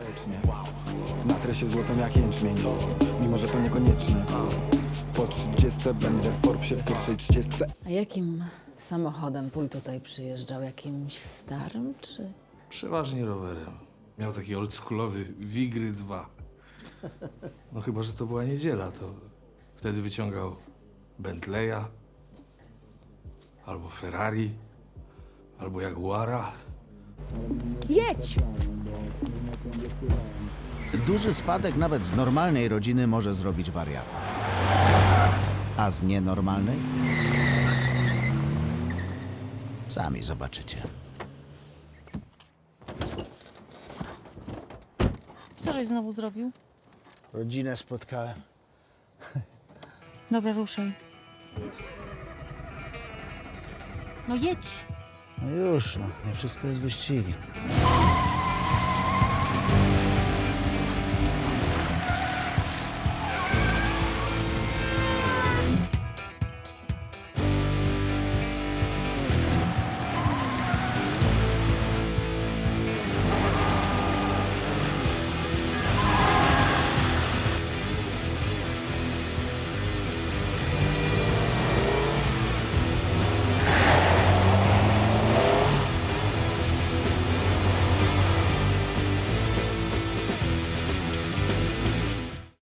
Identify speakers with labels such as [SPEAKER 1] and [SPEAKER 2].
[SPEAKER 1] Natrę się złotem jak jęczmień, mimo że to niekonieczne. Po 30 będę w Forbesie w pierwszej 30.
[SPEAKER 2] A jakim samochodem Pój tutaj przyjeżdżał? Jakimś starym, czy...
[SPEAKER 3] Przeważnie rowerem. Miał taki oldschoolowy Wigry 2. No chyba, że to była niedziela, to wtedy wyciągał Bentleya, albo Ferrari, albo Jaguara.
[SPEAKER 2] Jedź!
[SPEAKER 4] Duży spadek nawet z normalnej rodziny może zrobić wariata. A z nienormalnej? Sami zobaczycie.
[SPEAKER 5] Co żeś znowu zrobił?
[SPEAKER 4] Rodzinę spotkałem.
[SPEAKER 5] Dobra, ruszaj. No jedź!
[SPEAKER 4] No już, no, nie wszystko jest wyścigiem.